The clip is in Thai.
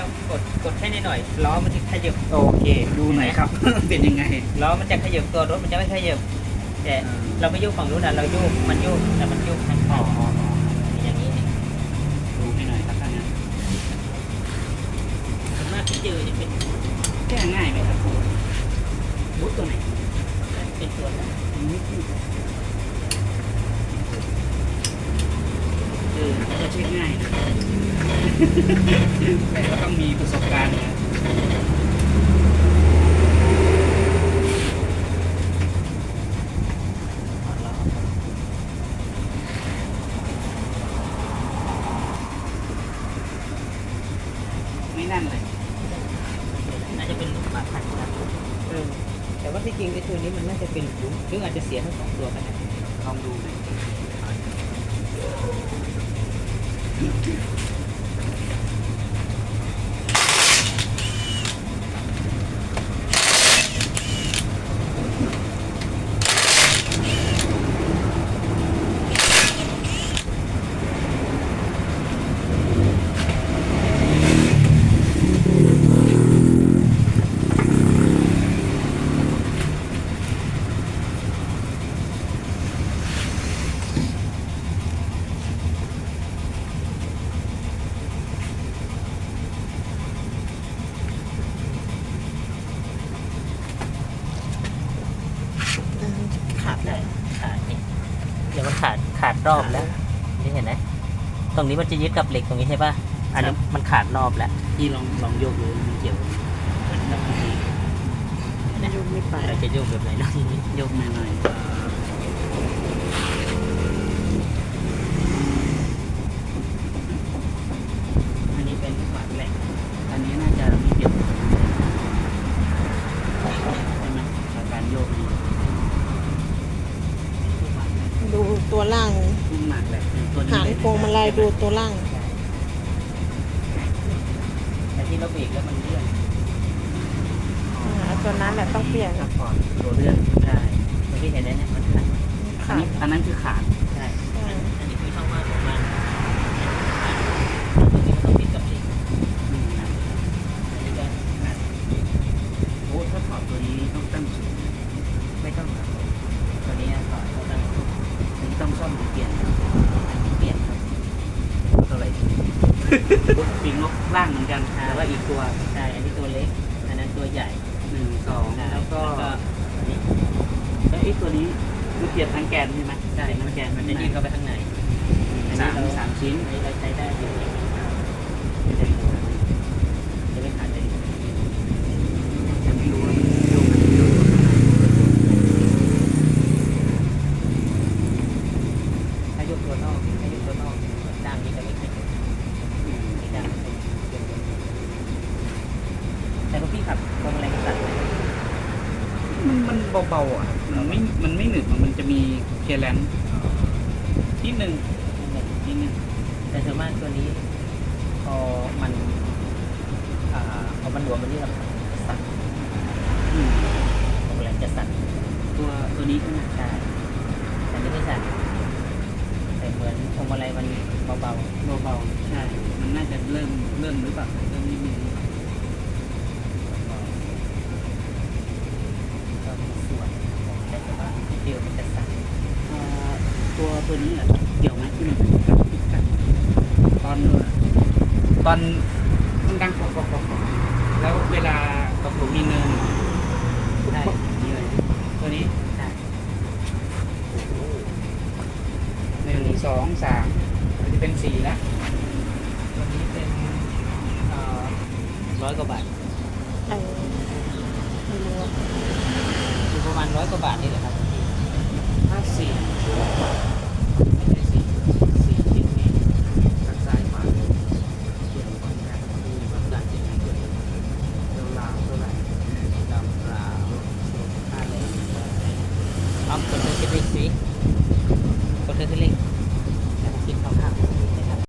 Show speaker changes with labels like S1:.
S1: กดแค่นิดหน่อยล้อมันจะขยับ
S2: โอเคดูหน่อยครับ เป็นยังไง
S1: ล้อมันจะขยับตัวรถมันจะไม่ขยับแต่เราไม่โยกฝั่งนู้นนะเราโยกมันโยกแต่มันโยกทาง
S2: อ๋
S1: ข้า
S2: อง
S1: อย่างนี้นี่
S2: ดูให้หน่อยครับท่านนะ
S1: ส่วนมากที่เจอจะเป็น
S2: แก้ง่ายไหมครับบูทตัวไหน
S1: เป็นตัวนั้น
S2: น่าจะเช็คง่ายนะ แต่ก็ต้องมีประสบการณ์นะไม่นั่นเลย
S1: น่าจะเป็นลูกบาศก์นะแต่ว่าที่จริงไอ้ตัวนี้มันน่าจะเป็นหรืออาจจะเสียทั้งสองตัวก็ได้
S2: ลองดูหน่อย
S1: ขาดเลยขาดนี่เดี๋ยวมันขาดรอบแล้วนี่เห็นไหมตรงนี้มันจะยึดกับเหล็กตรงนี้ใช่ป่ะอันนี้มันขาดรอบแล้ว
S2: ที่ลองโยกดูมันเกี่ยวมันต้องมี
S1: โยกไม่ไปเราจะโยกแบบไหนเนาะ
S2: โยกหน่อยๆอันนี้เป็นลูกบาศก์แหลกอันนี้น่าจะมีเกี่ยวใช่ไหมกับการโยกนี้
S3: ดูตัวล่าง
S2: ลูกหมากแหลกตัวนี้
S3: หางพวงมาลัยดูตัวล่าง
S1: แต่ที่เราเบรกแล้วมันเลื่อน
S3: ตัวนั้นแหละต้องเปลี่ยน
S2: ซัพพอร์ตตัวเลื่อนได้
S1: เมื่อกี้เห็นไหมเนี่ยมันขาด
S2: อันนั้นคือขาด
S1: ใช่อันนี้คือช่องว่างของมันตรงนี้มันต้องติดกับเหล็กอันนี้ก็ขาด
S2: โอ้ถ้าถอดตัวนี้ต้องตั้งศูนย์
S1: ไม่ต้องครับตัวนี้ถอดเขาตั้ง
S2: อันนี้ต้องซ่อมหรือเปลี่ยน
S1: เปลี่ยนครับ
S2: เท่าไหร่ปีกนกล่างเหมือนกันแต่ว่าอีกตัว
S1: ใช่อันนี้ตัวเล็กอันนั้นตัวใหญ่
S2: 1 2แล้วก็
S1: อันนี้
S2: แล้วไอ้ตัวนี้คือเปลี่ยนทั้งแกนใช่ไหม
S1: ใช่
S2: ทั้งแกน
S1: มันจะยืดเข้าไปข้างในอันนี้เรา
S2: สามชิ้น
S1: อันนี้เราใช้ได้อยู่จะไม่ขาดเลย
S2: จะไม่รู้ว่ามันโยกโยก
S1: ถ้ายกตัวนอกด้ามนี้จะไม่ขยับนี่ด้ามนี้แต่พวกพี่ขับพวงมาลัยสั่นไหม
S2: มันเบาๆอ่ะมันไม่หนึบอะมันจะมีเคลียร์แลนซ์ที่หนึ่ง
S1: แต่ส่วนมากตัวนี้พอมันหลวมมันนี่เราสั่นพวงมาลัยจะสั่น
S2: ตัวนี้ใช่ไหม
S1: ใช่แต่นี่ไม่สั่นแต่เหมือนพวงมาลัยมันเบา
S2: เบาๆใช่ มันน่าจะเริ่มหรือเปล่าเริ่มนิดนึง
S1: ๆก็มีส่วนแต่ว่าเดียวมันจะสั่น
S2: ตัวนี้อ่ะเกี่ยวไหมที่มันกับพิกัดตอนมันดังกรอบๆแล้วเวลาตกหลุมมีเนิน
S1: ใช่
S2: นี่เลยตัวนี้
S1: ใช่
S2: 1 2 3มันจะเป็น4แล้ว
S1: ตัวนี้เป็น100 กว่าบาท
S3: ไม่รู้ว่า
S1: อยู่ประมาณ100 กว่าบาทนี่แหละครับ
S2: 54